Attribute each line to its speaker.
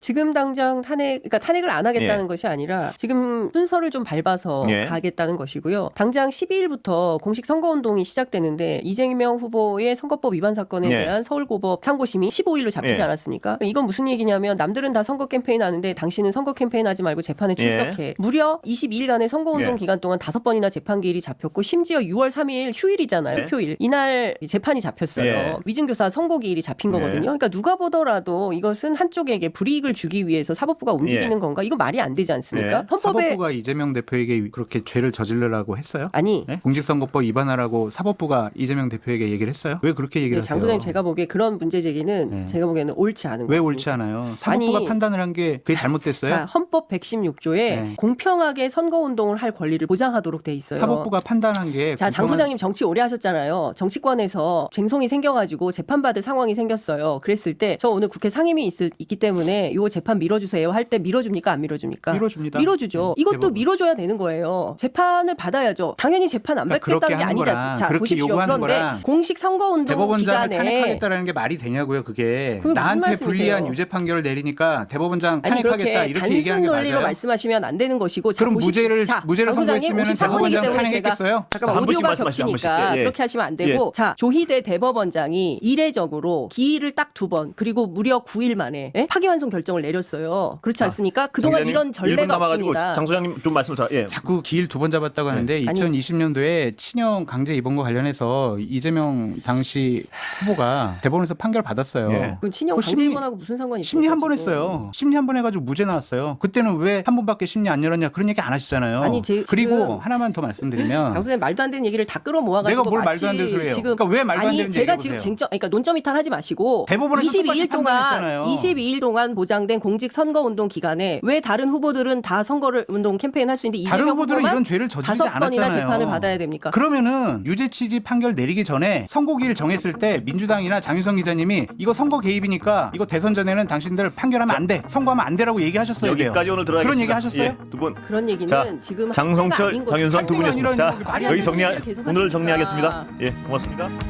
Speaker 1: 지금 당장 그러니까 탄핵을 안 하겠다는 것이 아니라 지금 순서를 좀 밟아서 가겠다는 것이고요. 당장 12일부터 공식 선거운동이 시작되는데 이재명 후보의 선거법 위반 사건에 대한 서울고법 상고심이 15일로 잡히지 않았습니까? 이건 무슨 얘기냐면 남들은 다 선거 캠페인 하는데 당신은 선거 캠페인 하지 말고 재판에 출석해. 무려 22일간의 선거운동 기간 동안 5번이나 재판기일이 잡혔고 심지어 6월 3일 휴일이잖아요. 표일. 이날 재판이 잡혔어요. 위증교사 선고기일이 잡힌 거거든요. 그러니까 누가 보더라도 이것은 한쪽에게 불이익을 주기 위해서 사법부가 움직이는 건가? 이거 말이 안 되지 않습니까? 헌법에
Speaker 2: 사법부가 이재명 대표에게 그렇게 죄를 저지르라고 했어요?
Speaker 1: 아니.
Speaker 2: 공직선거법 위반하라고 사법부가 이재명 대표에게 얘기를 했어요? 왜 그렇게 얘기를 하세요?
Speaker 1: 장 소장님 제가 보기에 그런 문제 제기는 제가 보기에는 옳지 않은 거예요.
Speaker 2: 왜 옳지 않아요? 사법부가 판단을 한 게 그게 잘못됐어요?
Speaker 1: 자, 헌법 116조에 공평하게 선거운동을 할 권리를 보장하도록 돼 있어요.
Speaker 2: 사법부가 판단한 게
Speaker 1: 자, 장 소장님 정치 오래 하셨잖아요. 정치권에서 쟁송이 생겨가지고 재판받을 상황이 생겼어요. 그랬을 때 저 오늘 국회 상임위 있기 때문에 요 재판 밀어주세요 할 때 밀어줍니까? 안 밀어줍니까?
Speaker 2: 밀어줍니다.
Speaker 1: 밀어주죠. 이것도
Speaker 2: 대법원.
Speaker 1: 밀어줘야 되는 거예요. 재판을 받아야죠. 당연히 재판 안 받겠다는 게 아니지 않습니까? 자, 보십시오. 그런데 공식 선거운동
Speaker 2: 대법원장을
Speaker 1: 기간에
Speaker 2: 탄핵하겠다라는 게 말이 되냐고요. 그게
Speaker 1: 무슨
Speaker 2: 나한테
Speaker 1: 말씀이세요?
Speaker 2: 불리한 유죄 판결을 내리니까 대법원장
Speaker 1: 아니
Speaker 2: 탄핵하겠다
Speaker 1: 그렇게
Speaker 2: 이렇게 얘기하는 게
Speaker 1: 단순 논리로
Speaker 2: 맞아요?
Speaker 1: 말씀하시면 안 되는 것이고
Speaker 2: 그럼 무죄를 선고했으면 대법원장 탄핵했겠어요?
Speaker 1: 잠깐만
Speaker 3: 한 번씩
Speaker 1: 오디오가
Speaker 3: 말씀하시죠, 한
Speaker 1: 겹치니까
Speaker 3: 번씩.
Speaker 1: 그렇게 하시면 안 되고 자 조희대 대법원장이 이례적으로 기일을 딱 2번 그리고 무려 9일 만에 파기환송 결정을 내렸어요. 그렇지 않습니까? 그동안 이런 전례가 없습니다.
Speaker 3: 장 소장님 좀 말씀 더.
Speaker 2: 자꾸 기일 2번 잡았다고 하는데 2020년도에 친형 강제 입원과 관련해서 이재명 당시 후보가 대법원에서 판결 받았어요.
Speaker 1: 그럼 친형 강제 입원하고 무슨 상관이 있어요?
Speaker 2: 심리 한 번 했어요. 심리 한 번 해가지고 무죄 나왔어요. 그때는 왜 한 번밖에 심리 안 열었냐 그런 얘기 안 하시잖아요.
Speaker 1: 아니,
Speaker 2: 그리고 하나만 더 말씀드리면
Speaker 1: 장 소장님 말도 안 되는 얘기를 다 끌어모아가지고
Speaker 2: 내가 뭘 말도 안 되는 소리예요?
Speaker 1: 지금
Speaker 2: 그러니까 왜 말도 안 되는지
Speaker 1: 제가
Speaker 2: 얘기해보세요.
Speaker 1: 지금 그러니까 논점 이탈하지 마시고
Speaker 2: 대법원에서 똑같이 판단했잖아요.
Speaker 1: 22일 동안 보장된 공직 선거운동 기간에 왜 다른 후보들은 다 선거운동 캠페인 할 수 있는데
Speaker 2: 다른
Speaker 1: 이재명
Speaker 2: 후보들은
Speaker 1: 후보만
Speaker 2: 이런 죄를 저지르지
Speaker 1: 5번이나
Speaker 2: 않았잖아요.
Speaker 1: 재판을 받아야 됩니까?
Speaker 2: 그러면은 유죄 취지 판결 내리기 전에 선고기일 정했을 때 민주당이나 장유성 기자님이 이거 선거 개입이니까 이거 대선 전에는 당신들 판결하면 안 돼, 선고하면 안 돼라고 얘기하셨어요.
Speaker 3: 여기까지 오늘 들어야겠습니다.
Speaker 2: 그런 얘기 하셨어요?
Speaker 3: 두 분.
Speaker 1: 그런 얘기는
Speaker 3: 자,
Speaker 1: 지금
Speaker 3: 장성철,
Speaker 1: 아닌 것이
Speaker 3: 장윤성 두 분이었습니다. 자,
Speaker 2: 아니라는
Speaker 1: 얘기를
Speaker 3: 여기
Speaker 1: 계속
Speaker 3: 오늘
Speaker 1: 하십니다.
Speaker 3: 정리하겠습니다. 예, 고맙습니다.